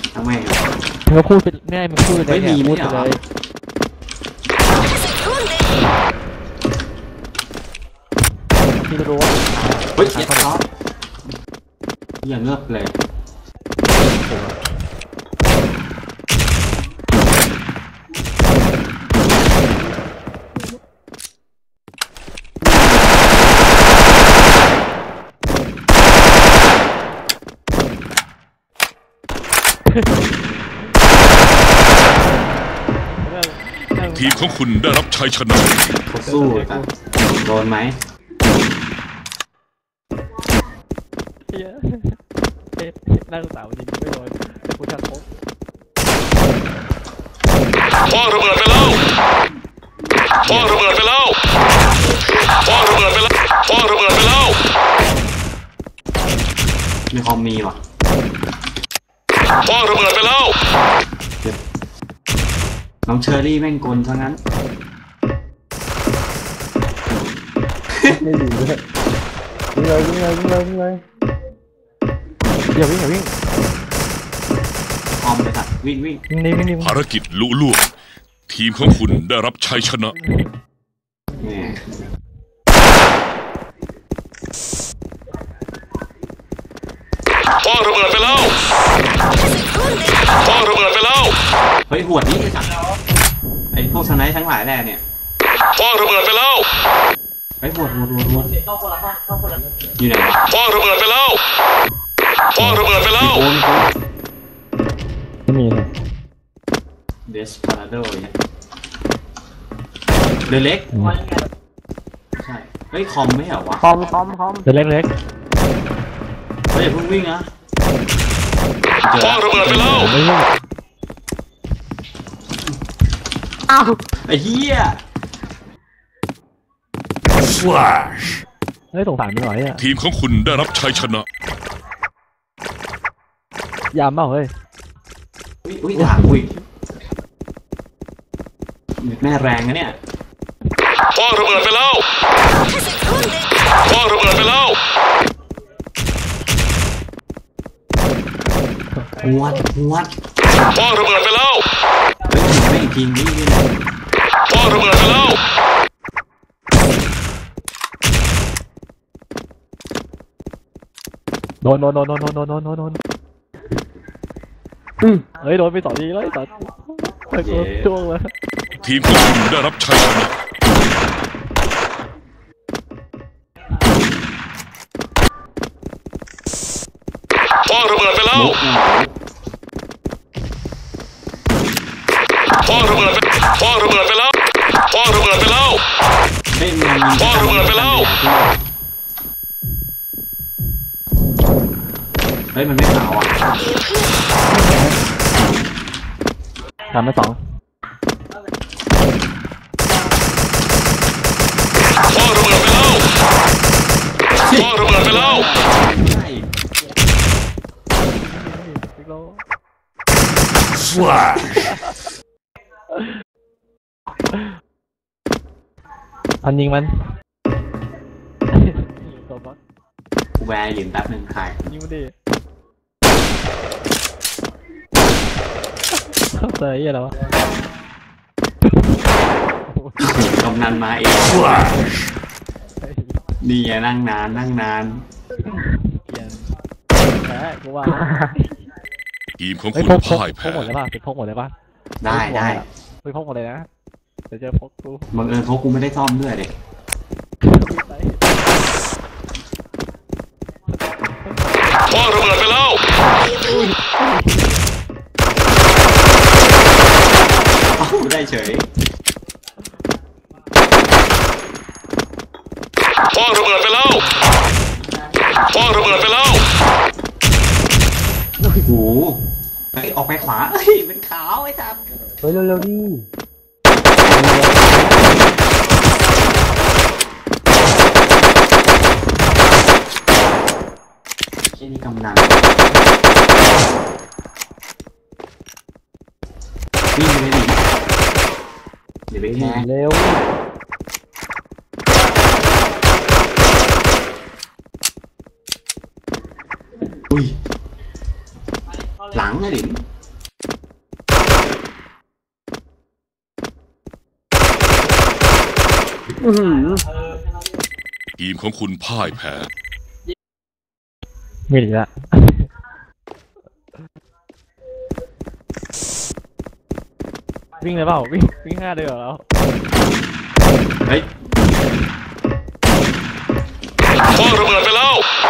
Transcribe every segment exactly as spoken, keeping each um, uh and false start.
ทำไมมึงก็พูดไปแม่มึงพูดเลยไม่มีพูดไปเลยพี่รู้ว่าเฮ้ยเจ็บท้ออย่างเงือบเลยทีมของคุณได้รับชัยชนะสู้กันโดนไหมนั่งสาวจริงไม่โดนแต่กูชักโคกพ่อระเบิดไปแล้วพ่อระเบิดไปแล้วพ่อระเบิดไปแล้วพ่อระเบิดไปแล้วมีคอมมีว่ะพ่อระเบิดไปแล้วน้องเชอรี่แม่งกลซะงั้นไม่ดีเลยวิ่งเลยวิ่งเลยวิ่งเลยวิ่งเลยอย่าวิ่งอย่าวิ่งออมเลยครับวิ่งวิ่งนี่วิ่งนี่ภารกิจลุล่วงทีมของคุณได้รับชัยชนะพ่อระเบิดไปแล้วพ่อระเบิดไปแล้วเฮ้ยหวดนี่ไอ้สัตว์ไอ้พวกสไนท์ทั้งหลายแหล่เนี่ยพ่อระเบิดไปแล้วไอ้หวดหวดหวดหวดอยู่ไหนพ่อระเบิดไปแล้วพ่อระเบิดไปแล้วไม่มีเลยเดสพาราโดเนี่ยเรือเล็กใช่เฮ้ยคอมไม่เหรอวะคอมคอมคอมเรือเล็กเล็กเฮ้ยอย่าเพิ่งวิ่งนะพ่อระเบิดไปแล้วอ้าวไอ้เหี้ยเฮ้ยสงสารไม่ไหวอ่ะทีมของคุณได้รับชัยชนะยามเปล่าเฮ้ยอุ้ยอุ้ยด่าอุ้ยแม่แรงนะเนี่ยพ่อระเบิดไปแล้วพ่อระเบิดไปแล้วหวดหวดพ่อระเบิดไปแล้วเฮ้ยไม่จริงนี่พ่อระเบิดไปแล้วโดนโดนโดนโดนโดนโดนโดนโดนโดนอืมเฮ้ยโดนไปสองทีแล้วไอ้สัตว์ไอ้ตัวจ้วงเลยทีมของคุณได้รับชัยชนะพ่อระเบิดไปแล้วพ่อระเบิดไปพ่อระเบิดไปแล้วพ่อระเบิดไปแล้วพ่อระเบิดไปแล้วเฮ้ยมันไม่ขาวอ่ะทำไปสองพ่อระเบิดไปแล้วพ่อระเบิดไปแล้วอันยิงมันกูแวร์ยืนแป๊บหนึ่งถ่ายยิงมันดิเตยอะไรวะกำนันมาเองนี่นั่งนานนั่งนานแพ้กูว่าทีมของคุณพ่ายแพ้พกหมดเลยป่ะเป็นพกหมดเลยป่ะได้ได้ไปพกหมดเลยนะเดี๋ยวเจอพกกูบังเอิญพกกูไม่ได้ซ่อมด้วยเด็กพ่อระเบิดไปแล้วได้เฉยพ่อระเบิดไปแล้วพ่อระเบิดไปแล้วโอ้โหเฮ้ยออกไปขวาเฮ้ยเป็นขาวไอ้ครับเฮ้ยเร็วๆดิเช่นนี้กำนันวิ่งไปเลยดิเดี๋ยวไปแค่เร็วอุ้ยหลังนะดิอื้อหือทีมของคุณพ่ายแพ้ไม่ดีละวิ่งเลยเปล่าวิ่งวิ่งห้าเดือแล้วเฮ้ยพ่อระเบิดไปแล้ว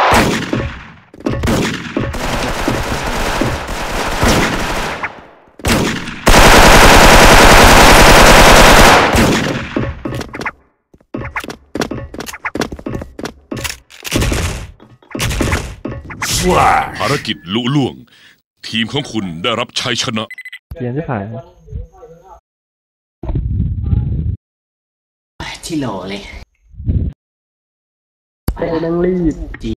ภารกิจลุล่วง ทีมของคุณได้รับชัยชนะเปลี่ยนที่ผ่านที่โหลเลยโอ้แม่งรีบ